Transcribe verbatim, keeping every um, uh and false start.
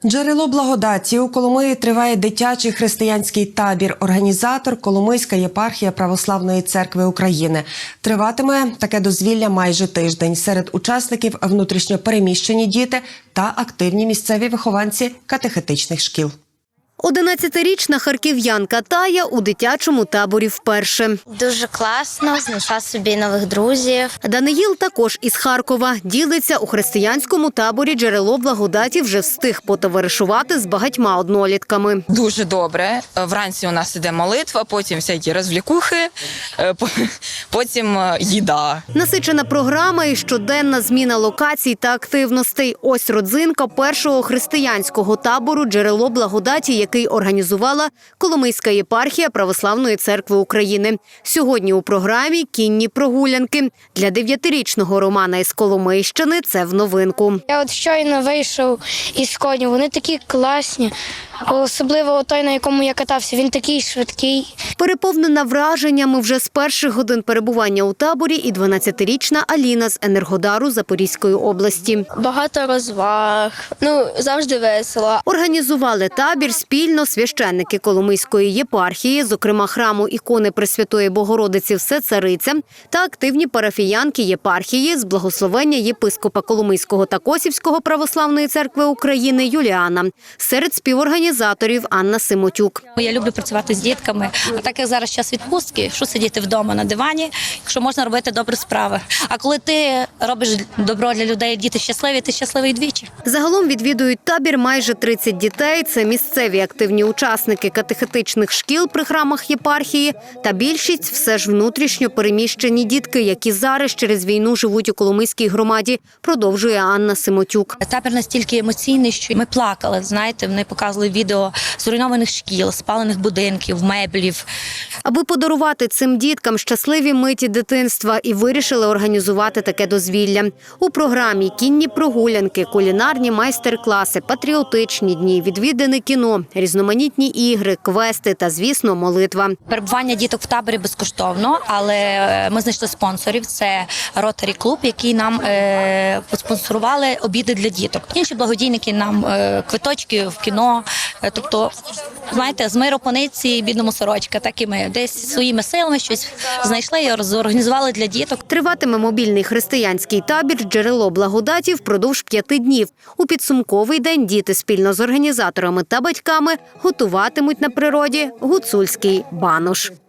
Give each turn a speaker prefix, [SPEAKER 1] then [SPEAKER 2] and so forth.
[SPEAKER 1] Джерело благодаті. У Коломиї триває дитячий християнський табір. Організатор – Коломийська єпархія Православної церкви України. Триватиме таке дозвілля майже тиждень. Серед учасників – внутрішньо переміщені діти та активні місцеві вихованці катехетичних шкіл.
[SPEAKER 2] одинадцятирічна харків'янка Тая у дитячому таборі вперше.
[SPEAKER 3] Дуже класно, знайшла собі нових друзів.
[SPEAKER 2] Даниїл також із Харкова. Ділиться, у християнському таборі «Джерело благодаті» вже встиг потоваришувати з багатьма однолітками.
[SPEAKER 4] Дуже добре. Вранці у нас іде молитва, потім всякі розвлікухи, потім їда.
[SPEAKER 2] Насичена програма і щоденна зміна локацій та активностей. Ось родзинка першого християнського табору «Джерело благодаті», який організувала Коломийська єпархія Православної церкви України. Сьогодні у програмі кінні прогулянки. Для дев'ятирічного Романа із Коломийщини це в новинку.
[SPEAKER 5] Я от щойно вийшов із конів, вони такі класні. Особливо той, на якому я катався, він такий швидкий.
[SPEAKER 2] Переповнена враженнями вже з перших годин перебування у таборі і дванадцятирічна Аліна з Енергодару Запорізької області.
[SPEAKER 5] Багато розваг, ну завжди весело.
[SPEAKER 2] Організували табір спільно священники Коломийської єпархії, зокрема храму ікони Пресвятої Богородиці Всецариця, та активні парафіянки єпархії з благословення єпископа Коломийського та Косівського Православної церкви України Юліана. Серед співорганізаторів Анна Симотюк.
[SPEAKER 6] Я люблю працювати з дітками, а так як зараз час відпустки, що сидіти вдома на дивані, якщо можна робити добрі справи. А коли ти робиш добро для людей, діти щасливі, ти щасливий двічі.
[SPEAKER 2] Загалом відвідують табір майже тридцять дітей. Це місцеві активні учасники катехетичних шкіл при храмах єпархії та більшість все ж внутрішньо переміщені дітки, які зараз через війну живуть у Коломийській громаді, продовжує Анна Симотюк.
[SPEAKER 6] Табір настільки емоційний, що ми плакали, знаєте, вони показували відео зруйнованих шкіл, спалених будинків, меблів.
[SPEAKER 2] Аби подарувати цим діткам щасливі миті дитинства і вирішили організувати таке дозвілля. У програмі кінні прогулянки, кулінарні майстер-класи, патріотичні дні, відвідане кіно, різноманітні ігри, квести та, звісно, молитва.
[SPEAKER 6] Перебування діток в таборі безкоштовно, але ми знайшли спонсорів. Це Ротарі клуб, який нам е, спонсорували обіди для діток. Інші благодійники нам е, квиточки в кіно. Тобто, знаєте, з миру по нитці, бідному сорочка, так і ми десь своїми силами щось знайшли і зорганізували для діток.
[SPEAKER 2] Триватиме мобільний християнський табір «Джерело благодаті» впродовж п'яти днів. У підсумковий день діти спільно з організаторами та батьками готуватимуть на природі гуцульський банош.